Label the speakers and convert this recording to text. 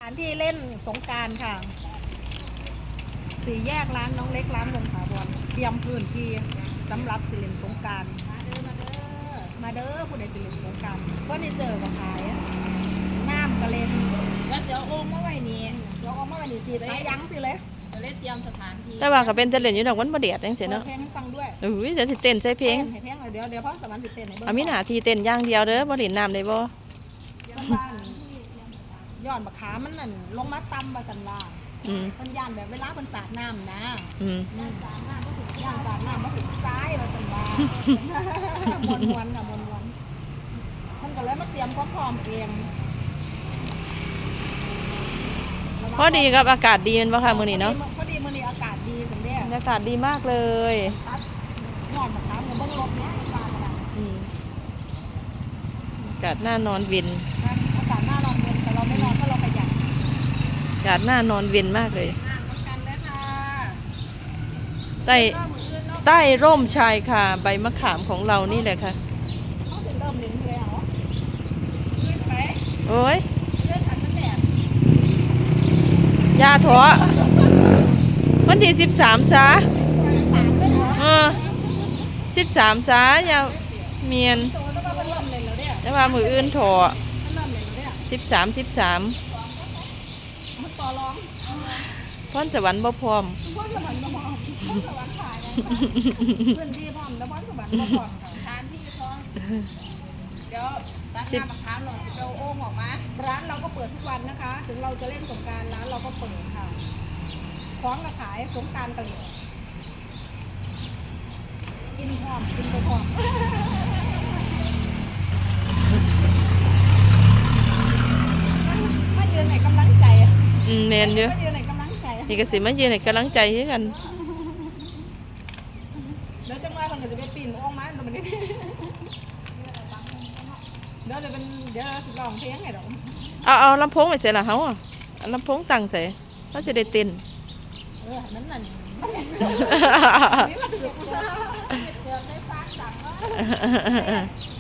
Speaker 1: านที่เล่นสงกรานต์ค่ะสี่แยกร้านน้องเล็กร้านวงถาวรเตรียมพื้นที่สำหรับสิเล่นสงกรานต์มาเด้อผู้ใดสิเล่นสงกรานต์ก็ได้เจอกับขายน้ำกระเล่น
Speaker 2: แล้วเดี๋ยวโอ่งมาไว้นี่
Speaker 1: เราเอามาไว้นี่สิสายยั้งสิเลย
Speaker 2: จะเล่นเตรียมสถานที่
Speaker 3: แต่ว่าก็เป็นแต่เล่นอยู่ดอกมันบ่แดดจังซี่
Speaker 1: เปิด
Speaker 3: เนาะ
Speaker 1: เพลงให้ฟังด้วย
Speaker 3: อุ้ยเดี๋ยวสิเต้นใส่เพลง
Speaker 1: ให้เพลงเดี๋ยวพ่อสวรรค์สิเต้นให้เบิ่ง
Speaker 3: เอามีหน้าที่เต้นอย่างเดียวเด้อบ่เล่นน้ำได้บ่
Speaker 1: บ้านย้อนบักขามันนั่นลงมาตำบาสันว่า
Speaker 3: อืม
Speaker 1: เพิ่นย่านแบบเวลาเพิ่นสาดน้ำนะ
Speaker 3: อืม
Speaker 1: ย่านสาดน้ำมาถึงซ้ายบาสันว่ามวนค่ะมวนเพิ่นก็เลยมาเตรียมความพร้อมเอง
Speaker 3: พอดีครับอากาศดีแม่นบ่ค่ะมื้อนี้เนาะ
Speaker 1: พอดีมื้อนี้อากาศดีสันเด้
Speaker 3: บรรยากาศดีมากเลย
Speaker 1: ครับย้อนบักขากับเบิ่งรถเนี้ยฟ้าขนาด
Speaker 3: อืมอากาศน่านอนเย็น
Speaker 1: อากาศหน้าร้อนเย็นแต่เราไม่ร้อนเพราะเราประหยัด
Speaker 3: อากาศน่านอนเย็นมากเลย
Speaker 2: กันเลยค่ะ
Speaker 3: ใต้ใต้ร่มชายคาใบมะขามของเรานี่แหละค่ะ
Speaker 1: เขาถึงเริ่มเล่นแล้ว
Speaker 2: ขึ้นไป
Speaker 3: โอ้ย
Speaker 1: เลื่อนขันมันแดด
Speaker 3: ยาถอวันที่13ซะ
Speaker 1: สามเลยเหรอ
Speaker 3: 13ซะอย่าเมียน
Speaker 1: โตแล้วก็เริ่มเล่นแล้วเนี่ย
Speaker 3: แต่ว่ามืออื่นถอ
Speaker 1: เริ่มเล่นแล้วเนี่ย
Speaker 3: 13
Speaker 1: มันต่อร้อง
Speaker 3: พรสวรรค์บ่พร้อม
Speaker 1: พ่อนสวรรค์ก็พร้อมพ่อนสวรรค์ถ่ายนะคะพื้นที่พร้อมแล้วพ่อนสวรรค์ก็พร้อมค่ะ
Speaker 2: ทานที่ท้องเดี๋ยวตัดน้ำมะขามหน่อยจะเอาโอ่งออกมา
Speaker 1: ร้านเราก็เปิดทุกวันนะคะ ถึงเราจะเล่นสงกรานต์ร้านเราก็เปิดค่ะคล้องกับขายสงกรานต์กะเหรี่ยงกินพร้อมกินไปพร้อมมายืนไหนกำลังใจอะ
Speaker 3: แม่นอยู่
Speaker 1: มายืนไหนกำลังใจอะ
Speaker 3: นี่ก็สิมายืนให้กำลังใจคือกัน
Speaker 1: เดี๋ยวจังหวะมันก็จะไปปีนโอ่งมาเดี๋ยวมันนี่เดี๋ยวเราสิลองเพลงให้ดอก
Speaker 3: เอาลำโพงไปใส่ละเฮาอ่ะเอาลำโพงตั้งใส่เขาสิได้เต้น
Speaker 1: นั่นน่ะนี่มาถือกูซะ
Speaker 2: เดี๋ยวได้ฟ้าสั่งว่า
Speaker 1: เ